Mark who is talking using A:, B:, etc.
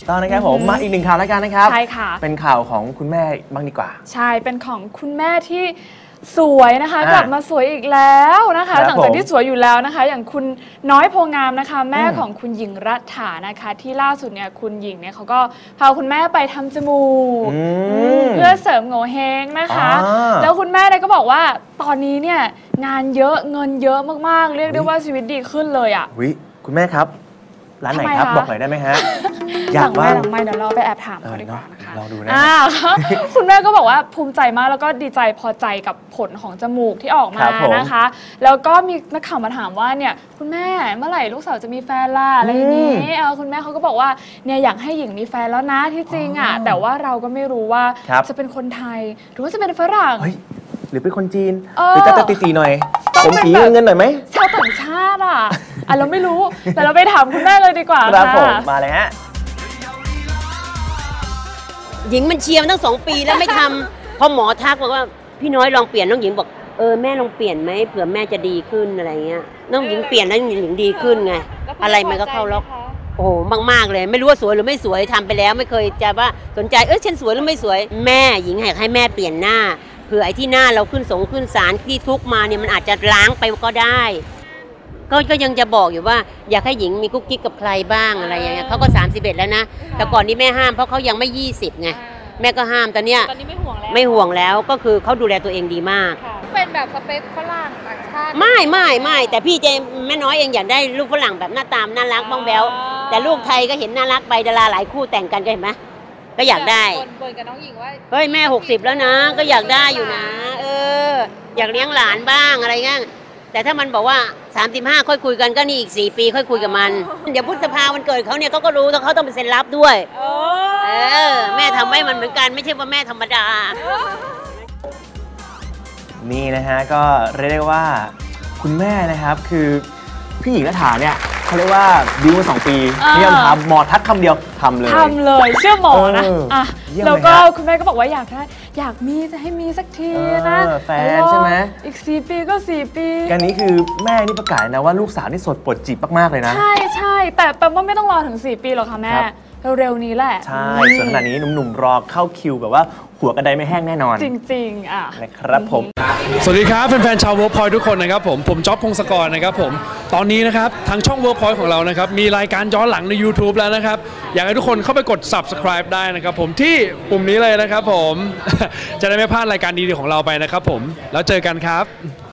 A: ตอนนะครับผมมาอีกหนึ่งข่าวแล้วกันนะครับ
B: ใช่ค่ะ
A: เป็นข่าวของคุณแม่บ้างดีกว่า
B: ใช่เป็นของคุณแม่ที่สวยนะคะกลับมาสวยอีกแล้วนะคะหลังจากที่สวยอยู่แล้วนะคะอย่างคุณน้อยโพงามนะคะแม่ของคุณหญิงรัฐานะคะที่ล่าสุดเนี่ยคุณหญิงเนี่ยเขาก็พาคุณแม่ไปทำจมูกเพื่อเสริมโงเฮงนะคะแล้วคุณแม่เนี่ยก็บอกว่าตอนนี้เนี่ยงานเยอะเงินเยอะมากๆเรียกได้ว่าชีวิตดีขึ้นเลยอ่ะ
A: คุณแม่ครับร้านไหนครับบอกหน่อยได้ไหมฮะ
B: อยากว่าหลังไม่เดี๋ยวเราไปแอบถามเขาดีกว่านะคะ
A: ลองดูนะ
B: คุณแม่ก็บอกว่าภูมิใจมากแล้วก็ดีใจพอใจกับผลของจมูกที่ออกมานะคะแล้วก็มีนักข่าวมาถามว่าเนี่ยคุณแม่เมื่อไหร่ลูกสาวจะมีแฟนล่ะอะไรอย่างนี้คุณแม่เขาก็บอกว่าเนี่ยอยากให้หญิงมีแฟนแล้วนะที่จริงอ่ะแต่ว่าเราก็ไม่รู้ว่าจะเป็นคนไทยหรือว่าจะเป็นฝรั่ง
A: หรือเป็นคนจีนหรือจะตีหน่อยผมสีเงินหน่อยไหม
B: ชาวต่างชาติอ่ะเราไม่รู้แต่เราไปถามคุณแม่เลยดีกว่า
A: ครับผมมาเลยฮะ
C: หญิงมันเชียร์มาตั้ง2 ปีแล้วไม่ทำพอหมอทักบอกว่าพี่น้อยลองเปลี่ยนน้องหญิงบอกแม่ลองเปลี่ยนไหมเผื่อแม่จะดีขึ้นอะไรเงี้ยน้องหญิงเปลี่ยนแล้วหญิงดีขึ้นไงอะไรมันก็เข้าล็อกโอ้มากๆเลยไม่รู้ว่าสวยหรือไม่สวยทำไปแล้วไม่เคยจะว่าสนใจฉันสวยหรือไม่สวยแม่หญิงให้แม่เปลี่ยนหน้าเผื่อไอ้ที่หน้าเราขึ้นศาลที่ทุกมาเนี่ยมันอาจจะล้างไปก็ได้ก็ยังจะบอกอยู่ว่าอยากให้หญิงมีกุ๊กกิ๊กกับใครบ้างอะไรอย่างเงี้ยเขาก็31แล้วนะแต่ก่อนนี้แม่ห้ามเพราะเขายังไม่20ไงแม่ก็ห้ามตอนนี้ไม่ห่วงแล้วก็คือเขาดูแลตัวเองดีมาก
B: เป็นแบบสเปคฝรั่งต่างชาติ
C: ไม่แต่พี่เจแม่น้อยเองอยากได้ลูกฝรั่งแบบหน้าตามน่ารักบ้องแบ๊วแต่ลูกไทยก็เห็นน่ารักไปดาราหลายคู่แต่งกันก็เห็นไหมก็อยากได้
B: บ่นกับน้องหญิงว่า
C: เฮ้ยแม่60แล้วนะก็อยากได้อยู่นะอยากเลี้ยงหลานบ้างอะไรเงี้ยแต่ถ้ามันบอกว่า35ค่อยคุยกันก็นี่อีก4 ปีค่อยคุยกับมันเดี๋ยวพฤษภาวันเกิดเขาเนี่ยเขาก็รู้แล้วเขาต้องเป็นเซ็นรับด้วยแม่ทำให้มันเหมือนกันไม่ใช่ว่าแม่ธรรมดา
A: นี่นะฮะก็เรียกได้ว่าคุณแม่นะครับคือพี่หญิงรัฐาเนี่ยเขาเรียกว่าบิวมา2 ปีนี่ทำหมอทักคำเดียวทำเลย
B: เชื่อหมอนะแล้วก็คุณแม่ก็บอกว่าอยากมีจะให้มีสักทีนะ
A: แฟนใช่ไหม
B: อีก4 ปีก็4 ปี
A: การนี้คือแม่นี่ประกาศนะว่าลูกสาวนี่สดปดจีบมากๆเลยนะ
B: ใช่แต่แปลว่าไม่ต้องรอถึง4 ปีหรอกค่ะแม่เร็วๆนี้แหละ
A: ใช่ส่วนขณะนี้หนุ่มๆรอเข้าคิวแบบว่าหัวกระไดไม่แห้งแน่นอน
B: จริงๆ
A: นะครับผม
D: สวัสดีครับแฟนๆชาวเวิร์กพอยต์ทุกคนนะครับผมจ๊อบพงศกรนะครับผมตอนนี้นะครับทางช่องเวิร์กพอยต์ของเรานะครับมีรายการย้อนหลังใน YouTube แล้วนะครับอยากให้ทุกคนเข้าไปกด Subscribe ได้นะครับผมที่ปุ่มนี้เลยนะครับผมจะได้ไม่พลาดรายการดีๆของเราไปนะครับผมแล้วเจอกันครับ